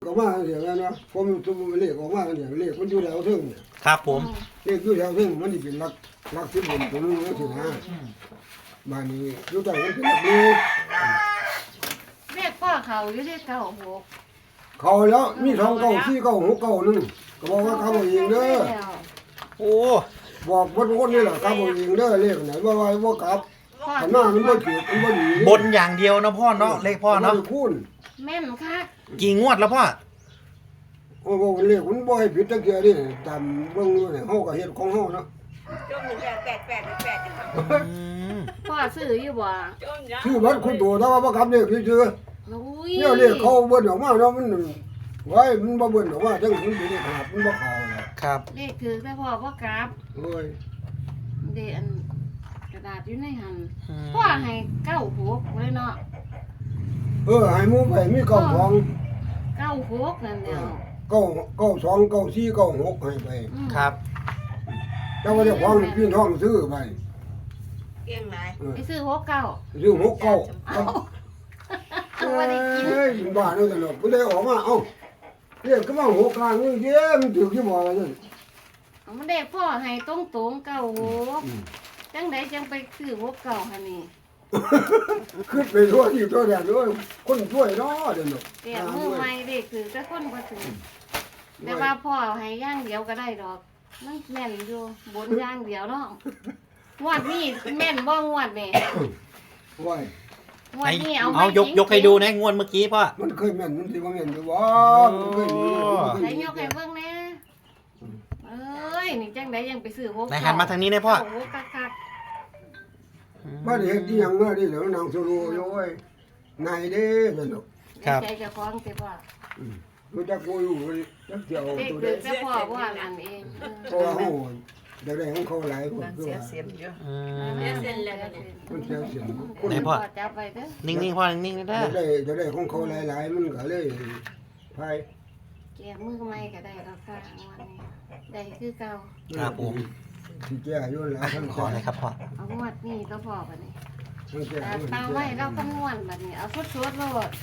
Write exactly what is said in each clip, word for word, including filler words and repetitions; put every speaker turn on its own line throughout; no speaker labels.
ก็มาเดี๋ยวนั้นนะผมตัวเลขออกมาเดี๋ยวเลขมันอยู่แถวถึงเนี่ย
ครับผม
เลขอยู่แถวถึงมันนี่เป็นหลักหลักสิบบนตัวนึงแล้วสินะบ้านนี้อยู่ใต้มันเป็นหลักนี้
เรียกพ่อเขาอยู่ที่เก้าหก
เขาแล้วมีสองเก้าสี่เก้าหกเก้านึงก็บอกว่าเขาบอกเองเด้อ
โอ้
บอกบนคนนี่แหละเขาบอกเองเด้อเลขไหนว่าว่าว่ากลับ
พ่อ
ขันหน้ามันบ่ถือมันบ่ดี
บนอย่างเดียวนะพ่อเนาะเลขพ่อเนาะ
มับ่ได้คูณ
แม่นค่ะ
กี่งวดแล้วพ่อ
โอ้โหเลขมันบ่ให้ผิดจักเทื่อดิตามเบิ่งอยู่เนี่ยเฮาก็เฮ็ดของเฮาเนาะ
จมหนึ่งแปดแปดแปดแปดจังครับ
อืม
พ่อซื้ออยู่บ่
จมยา
ชื่อบัดคุณตัวแต่ว่าบ่กลับเลขซื่อ
อุ้ย
ๆเนี่ยเลขเขาเบิ่นออกมาเนาะมันไว้มันบ่เบิ่นออกมาจังมันเป็นเลขขนาดมันบ่เข้าเลย
ครับ
เลขคือแต่พ่อบ่กราบ
โอ้ย
เดอันกระดาษอยู่ในหัน
อืม
พ่อให้เก้าหกเลยเนาะ
เออให้หมู่ไปมีเก้าสอง
เก้าหกนั่นเดียว
เก้าเก้าสองเก้าสี่เก้าหกให้ไป
อืม
ครับ
แต่ว่าเจ้าของนี่พี่น้องซื้อไป
เก่งหลาย
เออ
ไปซื้อหกเก้า
ซื้อหกเก้า
เอาบ่ได้กิน
เอ้ยบ้าเนาะตลกบ่ได้ออกมาเอ้าเรียกก็ว่าหกกลางนี่เด้มันถูกที่บ่ว่าซั่น
เอามันได้พ่อให้ตรงๆเก้าหกจังไดจังไปซื้อหกเก้าหั่นนี่
ขึ้นไปทั่วที่ทั่วแดนด้วยคนช่วยเนาะเดี๋ยวนี้
เตียมือใหม่เด็กคือแต่คนบ่ถือแต่ว่าพ่อให้อย่างเดียวก็ได้ดอกมันแม่นอยู่บนอย่างเดียวเนาะงวดนี้แม่นบ่งวดนี่
โอ้ย
งวดนี้เอา
เอา
ไว้
ยกยกให้ดูนะงวดเมื่อกี้พ่อ
มันเคยแม่นมันสิบ่แม่นอยู่บ่มันเคยมีมันเค
ไหน
ยมี
ยกให้เบิ่งแหน่เอ้ยนี่จังไดยังไปซื้อหก
ไหนหันมาทางนี้นะพ่อ
โอ้โหคัก
บ่ได้เฮ็ดอีหยังมาดิเดี๋ยวนางสโลอยู่เว้ยนายเด้เดี๋ยวนี้
ๆ
ครับ
ใจเจ้าของสิพ่อ
รู้จักกูอยู่จักเที่ยว
เด็ก
ตัว
คื
เด้
อแต่พ่อว่านั่นเองเอ
เพราะ
อ
ว่าเฮาเดี๋ยวได้ของเขาหลายคนคือ
เสีย
ว่า
เสียเยอะ
อืม
เสียเส้นแล้วเนี่ย
มันเสียเสียงคน
ไหนพ่อ
จับไว้เด้อ
นิ่งๆพ่อนิ่งๆนะ
เดี๋ยวได้เดี๋ยวได้ของเขาหลายๆมันก็เลยพาย
แกะมือใหม่ก็ได้ดอกค่ะงวดนี้ได้คือเก่า
ครับผม
ที่แก้อยู่แล้ว
อ่ะ
ทั้ง
ขอเลยครับพ่อ
เอางวดนี้ก็พอบัดนี้
ทั้งแก้
แต่เตาไว้เราคำนวณบัดนี้เอาสุดๆโลด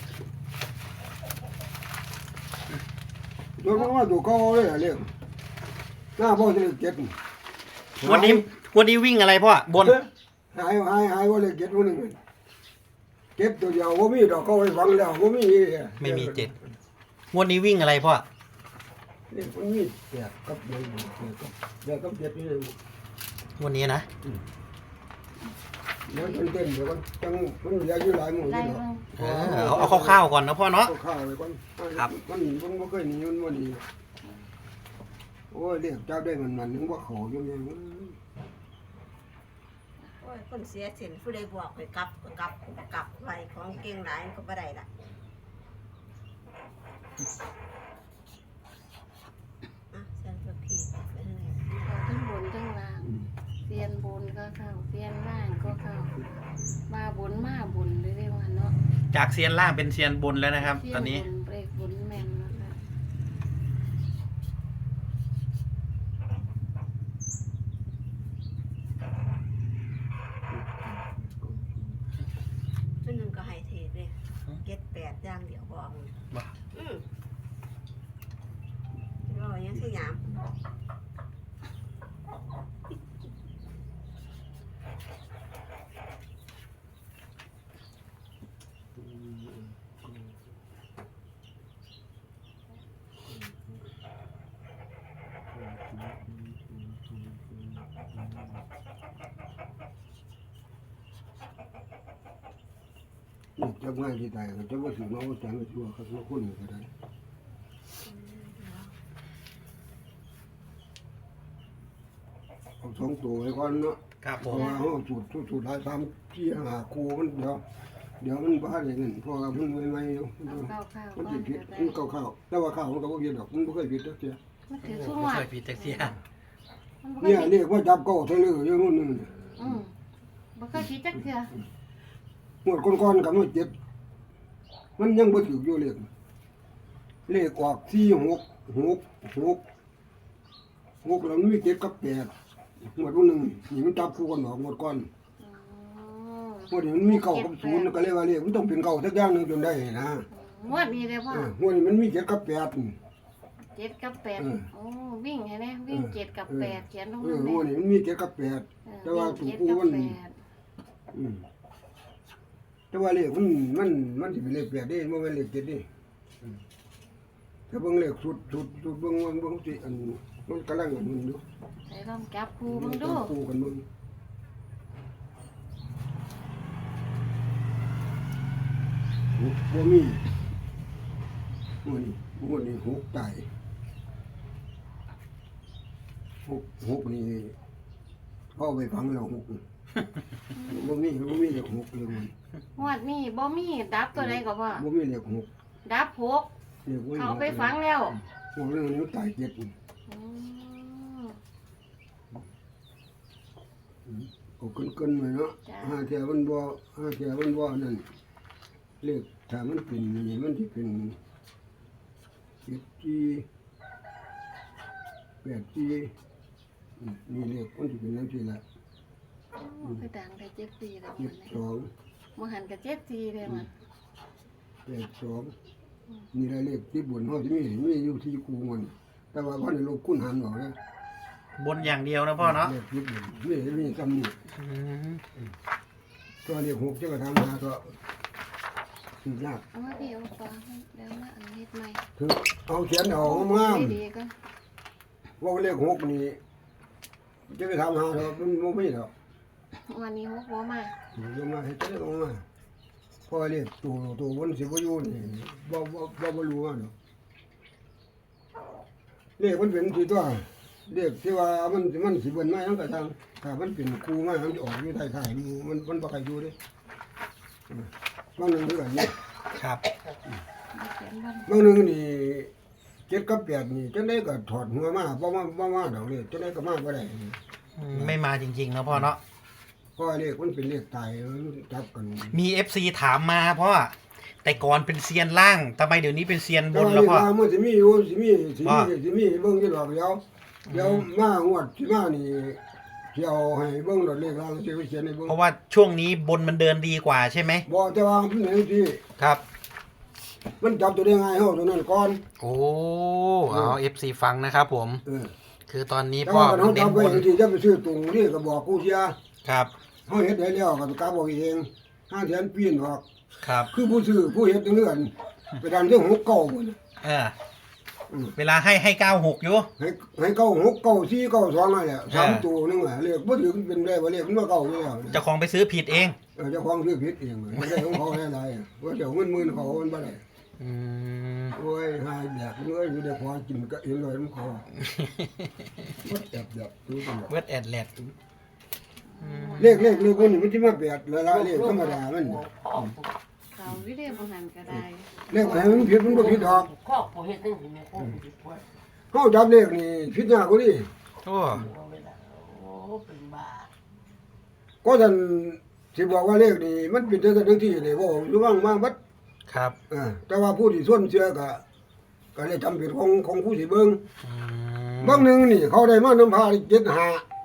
โดนว่าตัวเขาเลยอะเรื่องหน้าบ่จะเลยเก็บ
วันนี้วันนี้วิ่งอะไรพ่อบน
หายหายหายว่าเลยเก็บวันนึงเก็บตัวเดียวบ่มีดอกเขาไปฝังแล้วบ่มี
ไม่มีเจ็ดงวดนี้วิ่งอะไรพ่อ
นี่มันมีแปดกับเดียวกับเดียวกับเจ็ดนี่
วันนี้นะ
เดี๋ยวมันเต้นเดี๋ยวมันจังมันเหลืออยู่หลายหมู่
ได้
นี่ดอก
เบิ่ง
เออเอาเอาคร่าวๆก่อนนะพ่อเนาะ
เอาข้าวไว้ก่อน
ครับ
มันมันบ่เคยหนีมันบ่หนีโอ้ยเรียกเจ้าได้มันมันนึงว่าเขาอยู่เนี่ย
โอ้ยคนเสียเส้นผู้ใดบอกไปกลับก็กลับกลับไว้ของเก่งหลายก็บ่ได้ละอ่ะเส้นตัวพี่ไปทางไหน
ทั้งบนทั้งล่างเสียนบนก็เข้าเสียนล่างก็เข้ามาบนมาบนเรื่อยๆว่าเนาะ
จากเซียนล่างเป็นเซียนบนแล้วนะครับ ตอนนี้
เสียบนเลขบนแม่นแล้วค่ะ
ชุดหนึ่งก็ให้เทศเลยเก็ดแปดอย่างเดียวบอก
บ่
อืมรอยังสยาม
จับง่ายที่ตายก็จะบ่ถึงเอาจังชั่วครับคนก็ได้เอาสองตัวไว้ก่อนเนาะ
ครับผ
เพราะ
ม
ว่าเฮาสูตรสูตรหลายสามที่หาครูมันเดี๋ยวเดี๋ยวมันบ้าได้เงินเพราะว่ามันใหม่ๆอยู่
เอาเข้าเข้า
มัน
ก่อ
สิ
น
ผิด
ก็ได้
มันเก่าๆแต่ว่าข้าวมันก็บ่ผิดดอกมันบ่เคยผิดจักเที่ย
มันถือ
ไม่
สุ่มวั
เค
ด
ยผิดจักเซีย
มันบ่
เนี่ย
เคย
เรียกว่าจับเก่าเท่าเลยอยู่นู่นนึง
อืมบ่เคยผิดจักเทื่อ
หมดก่อนๆกับมันเจ็บมันยังบ่ถูกอยู่เลขเลขออกสี่หกหกหกหกแล้วมันมีเจ็ดกับแปดหมดวันนึงนี่มันจับคู่กันออกหมดก่อน
อ๋อ
หมดนี่มันมีเก้ากับศูนย์ก็เลยว่าเลขมันต้องเป็นเก้าสักอย่างหนึงจนได้นะ
อืงวดนี้เลยพ่อ
เออหัวนี่มันมีเจ็ดกับแปด
เจ็ดกับแปด
เออ
โอ้วิ่งให้แน่วิ่งเจ็ดกับแปดเขียนลง
เอ
มา
อ
เล
หัวย นี่มันมีเจ็ดกับแปด
เออ
แต่ว่า
วิ่ง
ตัว
เจ็ด
กู
กับ
มัน
แปด
อืมแต่ว่าเลขมันมันมันสิเป็นเลขแปดเด้บ่แม่นเลขเจ็ดเด้อืมถ้าเบิ่งเลขสุดสุดสุดเบิ่งเบิ่งเบิ่งสิอันมันกำลังอันนึงอยู่
ใส่ลองจับครูเบังดู
คู่กันเบิ่งหกบ่มีหัวนี่หัวนี่หกตายหกหกนี่พ่อไปฟังแล้วหกนี่บ่มีบ่มีเลขหกเลยมัน
งวดนี้บ่มีดับตัวใดก็พ่อ
บ่มีเลขหก
ดับหก
เลขบ่มี
เขาไปฝังแล้ว
หกเรื่องนี้มันตายเจ็ดนี่
อืม
ก็เกินๆไว้เนาะ
จ้ะ
ห้าเที่ยมันบ่ห้าเที่ยมันบ่นั่นเลขถ้ามันเป็นนี่มันสิเป็นเจ็ดจีแปดจีอืมนี่เลขมันสิเป็นจังซี่ล่ะ
โอ้คือดังได้เจ็ดปีแล้ว
เจ็ด
มัน
สอง
มหันกับเจ็ดปีเลยมัน
แปดสองนี่ละเลขที่บนเฮาสิมีมีอยู่ที่กูมันแต่ว่าบ่ได้ลบคูณหารออกนะ
บนอย่างเดียวนะพ่อเนาะ
เลขที่บนมีมีซ้ำนี่
อืม
ตัวเลขหกจะก็ทำหาก็สิยาก
เอามาพี่เอาปลาให้แล้วมาอันนี้ใหม่
คือเอาเขียนเอางาม
ดีๆก็
ๆว่าเลขหกนี่จะไปทำหาเรามันบ่มีหรอก
วันนี้หกหัวมา
ลงมาให้เจ้าลงมาพอเลขตัวตัวบนสิบ่อยู่นี่บ่บ่บ่บ่รู้ว่าเนาะเลขมันเป็นที่ตัวเลขที่ว่ามันมันสิเบิ่นมาจังกะทางถ้ามันเป็นครูมามันจะออกอยู่ท้ายๆมันมันมันบ่ค่อยอยู่เด้อืมบางหนึงคือกันนี่
ครับ
มาเขียนวัน
บางหนึงนี่เจ็ดกับแปดนี่จังได๋ก็ถอดหัวมาบ่มาบ่มาดอกเลยจังได๋ก็มาบ่ได้
อืมไม่มาจริงๆนะพ่อเนาะ
เพราะว่าเลขมันเป็นเลขตายมันจับกัน
มี เอฟ ซี ถามมาพ่อแต่ก่อนเป็นเซียนล่างทำไมเดี๋ยวนี้เป็นเซียนบ
แต่
น
ว่า
แล้ว
เลข
พ่อ
ว่ามันสิมีอยู่สิมีสิมี
ว่า
สิมีเบิ่งอยู่ดอกเดียวเดี๋ยวมางวดสิมานี่สิเอาให้เบิ่งดอกเลขล่างสิไปเขียนให้เบิ่ง
เพราะว่าช่วงนี้บนมันเดินดีกว่าใช่ไหม
บ่แต่ว่ามันเป็นที่
ครับ
มันจับตัวได้ง่ายเฮาตัวนั้นก่อน
โอ้เอา เอฟ ซี ฟังนะครับผม
เออ
คือตอนนี้
แต่
พ่อ
ว่าคันเฮา
เน้
จั
น
บบ ไว้
น
ที่จะไปซื้อตรงนี่ก็บอกกูเสีย
ครับ
เฮาเฮ็ดได้แล้วก็กลับบอกเองห้าแสนปีนออก
ครับ
คือผู้ซื้อผู้เฮ็ดจังเฮือนไปดันเรื่องหกเก้าพุ่น
เออ
อืม
เวลาให้ให้เก้าหกอยู่
ให้ให้เก้าหกเก้าสี่เก้าสองนั่นแหละสาม
อ่า
ตัวนึงอ่ะเลขบ่ถึงเป็นได้ว่าเลขมันบ่เก้าอยู่แล้ว
เจ้าของไปซื้อผิดเอง
เออเจ้าของซื้อผิดเองไม่ได้ของเขาหลายๆอ่ะว่าเดี๋ยวเงินหมื่นเขามันบ่ได้
อืม
โอ้ยหายแบบเอ้ยอยู่ได้พอกินก็เองเลยมันเขาบ่แอบแบบดูกัน
เวทแอดแลด
เลขเลขเลขมันนี่มันสิมาแปดละละเลขธรรมดามัน
เขาวิเดีโอหันก็ได้
เลขไหนมันผิดมันบ่ผิดดอก
ข้อผู้เฮ็ดจังซี่แม่ข้อผู้ผิดพลาด
เฮาจับเลขนี่ผิดยากกว่านี้
โอ้
บ่เวลาโอ้เป็นบ้า
ก็ท่านสิบอกว่าเลขนี่มันเป็นจังซั่นจังซี่นี่บ่อยู่ว่างมาบัด
ครับ
เออแต่ว่าผู้ที่ส่วนเชื่อก็ก็เลยจำเป็นของของผู้สิเบิ่ง
อืม
บางหนึงนี่เขาได้มานำพาเจ็ดห้า